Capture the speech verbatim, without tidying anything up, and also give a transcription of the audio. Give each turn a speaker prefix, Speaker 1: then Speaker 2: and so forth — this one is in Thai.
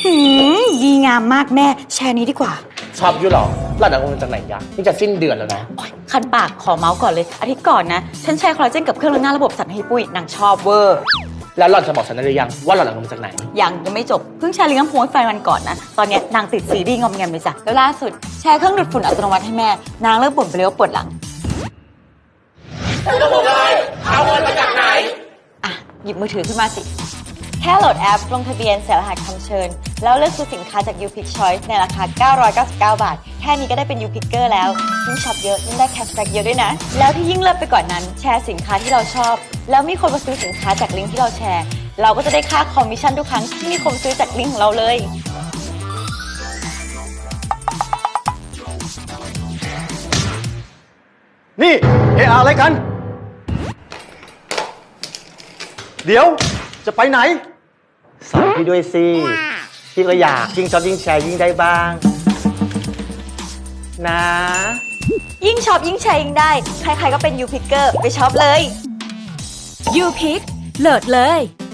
Speaker 1: หืมดีงามมากแม่แชร์นี้ดีกว่า
Speaker 2: ชอบอยู่หรอหล่อนเอาเงินจากไหนยะนี่จะสิ้นเดือนแล้วนะ
Speaker 1: คันปากขอเมาส์ก่อนเลยอาทิตย์ก่อนนะฉันแชร์คอลลาเจนกับเครื่องล้างหน้าระบบสันให้ปุ้ยนางชอบเวอร์
Speaker 2: แล้วหล่อนจะบอกฉันได้หรือยังว่าหล่อนเอาเงินมาจากไหน
Speaker 1: ยังยังไม่จบเพิ่งแชร์ลิงก์น้ำพุให้แฟนวันก่อนนะตอนนี้นางติดซีรีส์งอมแงมเลยจ้ะแล้วล่าสุดแชร์เครื่องดูดฝุ่นอัตโนมัติให้แม่นางเลิกบ่นไปเลยว่าปวดหลัง
Speaker 2: จะบอกอะไรเอาเงินมาจากไหน
Speaker 1: อ่ะหยิบมือถือขึ้นมาสิแค่โหลดแอปลงทะเบียนใส่รหัสคำเชิญแล้วเลือกซื้อสินค้าจาก YouPick Choice ในราคาเก้าร้อยเก้าสิบเก้าบาทแค่นี้ก็ได้เป็น YouPicker แล้วยิ่งช็อปเยอะยิ่งได้แคชแบ็กเยอะด้วยนะแล้วที่ยิ่งเลิศไปกว่านั้นแชร์สินค้าที่เราชอบแล้วมีคนมาซื้อสินค้าจากลิงก์ที่เราแชร์เราก็จะได้ค่าคอมมิชชั่นทุกครั้งที่มีคนซื้อจากลิงก์ของเราเลย
Speaker 3: นี่เอออะไรกันเดี๋ยวจะไปไหนสอนพี่ด้วยสิพี่ก็อยากยิ่งช็อปยิ่งแชร์ยิ่งได้บ้างนะ
Speaker 1: ยิ่งช็อปยิ่งแชร์ยิ่งได้ใครๆก็เป็น YouPicker ไปช็อปเลย
Speaker 4: YouPick โหลดเลย